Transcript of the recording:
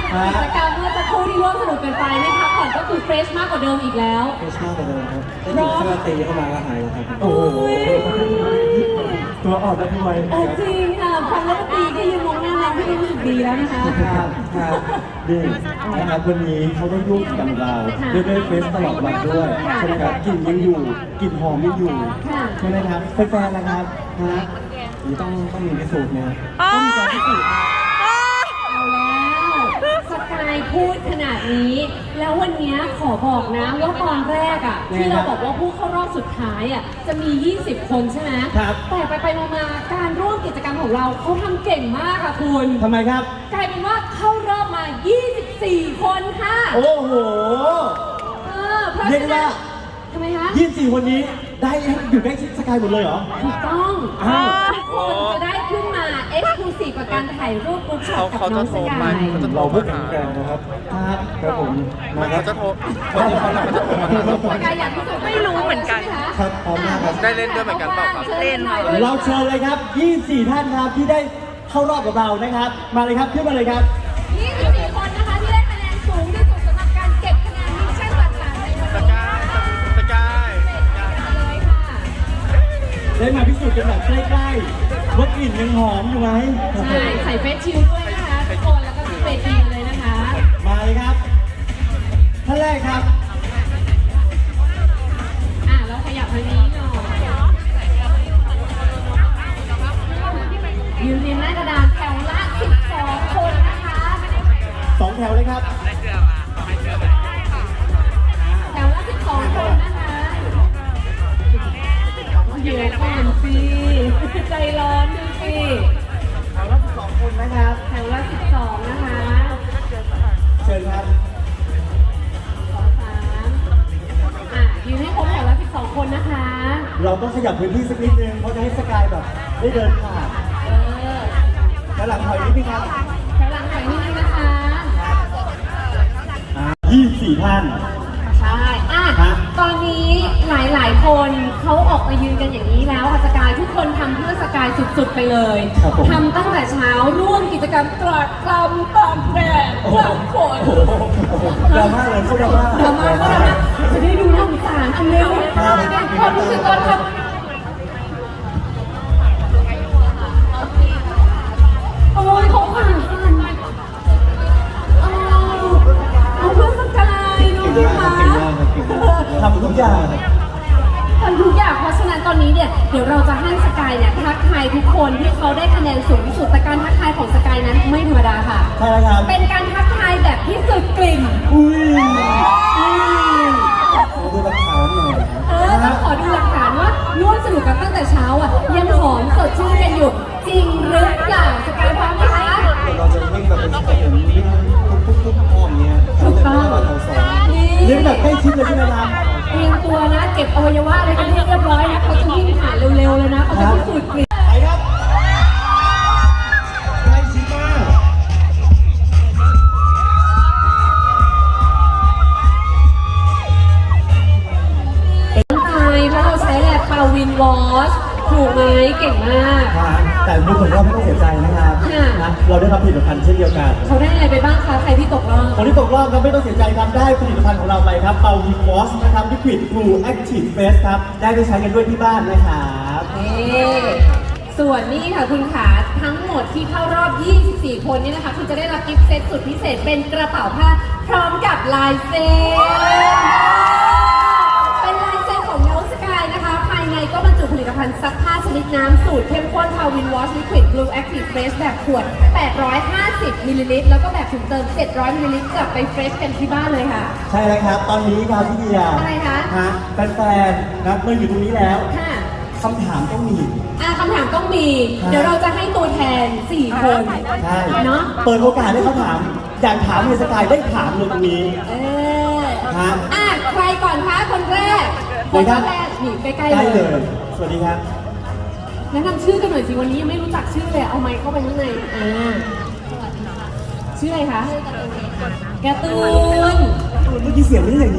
กิจกรรมเมื่อสักครู่ที่ร่วมสนุกกันไปไม่พักผ่อนก็คือเฟรชมากกว่าเดิมอีกแล้วเฟรชมากกว่าเดิมครับได้ยินเสื้อตีเข้ามาก็หายแล้วครับโอ้ยตัวอ่อนแล้วพี่ไว้โอ้จริงค่ะพันแล้วตีก็ยืนมองหน้าเราไม่รู้สึกดีแล้วนะคะครับนี่นะครับวันนี้เขาได้ร่วมกิจกรรมเราด้วยเฟสตลอดวันด้วยใช่ไหมครับกลิ่นยังอยู่กลิ่นหอมยังอยู่ใช่ไหมครับแฟนๆนะครับฮะนี่ต้องมีพิสูจน์นะต้องมีการพิสูจน์นะเอาแล้วสกายพูดขนาดนี้ แล้ววันนี้ขอบอกนะว่าตอนแรกอ่ะที่เราบอกว่าผู้เข้ารอบสุดท้ายอ่ะจะมี 20 คนใช่ไหมครับแต่ไปมาๆการร่วมกิจกรรมของเราเขาทำเก่งมากค่ะคุณทำไมครับกลายเป็นว่าเข้ารอบมา 24 คนค่ะโอ้โหเพราะเรียกฉะได้นั้ว่านทำไมคะ 24 คนนี้ได้อยู่ใกล้ชิดสกายหมดเลยเหรอถูกต้องอ้าวทุกคนจะได้ขึ้นมา Exclusive กับการถ่ายรูปกรุ๊ปช็อตกับน้องสกายเราพูดแข็งแกร่งนะครับครับผมมาครับเขาจะโทรคนที่เขาหลังเขาจะโทรมาหาเราก่อนสกายอยากพิสูจน์ไม่รู้เหมือนกันครับพร้อมมากครับได้เล่นด้วยเหมือนกันเปล่าครับเล่นหน่อยเราเชิญเลยครับ 24 ท่านครับที่ได้เข้ารอบกับเรานะครับ มาเลยครับขึ้นมาเลยครับ 24 คนนะคะที่ได้คะแนนสูงที่สุดสำหรับการเก็บคะแนนมิชชั่นต่างๆในวันสนี้กายสกายเลยค่ะได้มาพิสูจน์กันแบบใกล้ๆว่ากลิ่นยังหอมอยู่ไหมใช่ใส่เฟซชิลด้วยนะคะทุกคนแล้วก็ที่เฟซชิลเลยนะคะมาเลยครับท่านแรกครับเราขยับทางนี้หน่อยยืนเรียงหน้ากระดานแถวละ 12 คนนะคะ 2 แถวเลยครับแถวละ 12 คนนะคะเดี๋ยวก่อนสิใจร้อนดูสิแถวละ12 คนนะครับแถวละ 12 นะคะเชิญครับยืนให้ครบแถวละ 12 คนนะคะเราต้องขยับพื้นที่สักนิดนึงเพราะจะให้สกายแบบได้เดินผ่าน แล้วหลังถอยนิดนึงครับแถวหลังหน่อยนิดนึงนะคะ 24 ท่านใช่ตอนนี้หลายๆคนเขาออกมายืนกันอย่างนี้แล้วค่ะสกายทุกคนทำเพื่อสกายสุดๆไปเลยครับผมทำตั้งแต่เช้าร่วมกิจกรรมตรากตรำตากแดดตากฝนดราม่าเลยเขาดราม่าเดี๋ยวมาจะได้ดูน่าสงสารอันเร็วความรู้สึกตอนทำโอ้ยเขาผ่านเอาเพื่อสกายดูสิคะทำทุกอย่างทำทุกอย่างเพราะฉะนั้นตอนนี้เนี่ยเดี๋ยวเราจะให้สกายเนี่ยทักทายทุกคนที่เขาได้คะแนนสูงที่สุดแต่การทักทายของสกายนั้นไม่ธรรมดาค่ะใช่แล้วครับเป็นการทักทายแบบที่สุดกลิ่นอุ้ยขอดูหลักฐานหน่อยต้องขอดูหลักฐานว่าร่วมสนุกกันตั้งแต่เช้าอ่ะยังหอมสดชื่นกันอยู่จริงหรือเปล่าสกายพร้อมไหมคะเราจะวิ่งแบบเป็นสเต็ปวิ่งทุกอ้อมเนี้ยถูกต้องเลี้ยงแบบใกล้ชิดเลยใช่ไหมครับเตรียมตัวนะเก็บอวัยวะอะไรกันให้เรียบร้อยนะเขาจะวิ่งผ่านเร็วๆเลยนะเขาจะพิสูจน์กลิ่นไปครับใกล้ชิดมากตายเพราะเราใช้แลบปาวินวอชถูกไหมเก่งมากแต่ดูเหมือนว่าไม่ต้องเสียใจนะครับค่ะนะเราได้รับผลิตภัณฑ์เช่นเดียวกันเขาได้อะไรไปบ้างคะใครที่ตกรอบคนที่ตกรอบครับไม่ต้องเสียใจครับได้ผลิตภัณฑ์ของเราไปครับเปาวีวอชนะครับลิควิดบลูแอคทีฟเฟสครับได้ไปใช้กันด้วยที่บ้านนะครับส่วนนี้ค่ะคุณขาทั้งหมดที่เข้ารอบ 24 คนนี้นะคะคุณจะได้รับกิฟต์เซตสุดพิเศษเป็นกระเป๋าผ้าพร้อมกับลายเซ็นเป็นลายเซ็นของน้องสกายนะคะ ภายในก็บรรจุผลิตภัณฑ์ซักผ้าชนิดน้ำสูตรเข้มข้นพาวินวอชลิควิดบลูแอคทีฟเฟสแบบขวด 850 มิลลิลิตรแล้วก็แบบถุงเติม 700 มิลลิลิตรกลับไปเฟรชกันที่บ้านเลยค่ะใช่แล้วครับ ตอนนี้ครับพี่เดียอะไรคะแฟนๆนะเมื่ออยู่ตรงนี้แล้วค่ะคำถามต้องมีคำถามต้องมี เดี๋ยวเราจะให้ตัวแทน 4 คนใช่เนาะเปิดโอกาสให้เขาถาม อยากถามในสกายได้ถามเลยตรงนี้ ฮะใครก่อนคะคนแรกเลยครับแรกนี่ใกล้ได้ๆเลเลย ยสวัสดีครับแนะนำชื่อกันหน่อยสิวันนี้ยังไม่รู้จักชื่อเลยเอาไมค์เข้าไปข้างในชื่ออะไรคะการ์ตูนเมื่อกี้เสียงไม่ได้อย่างนี้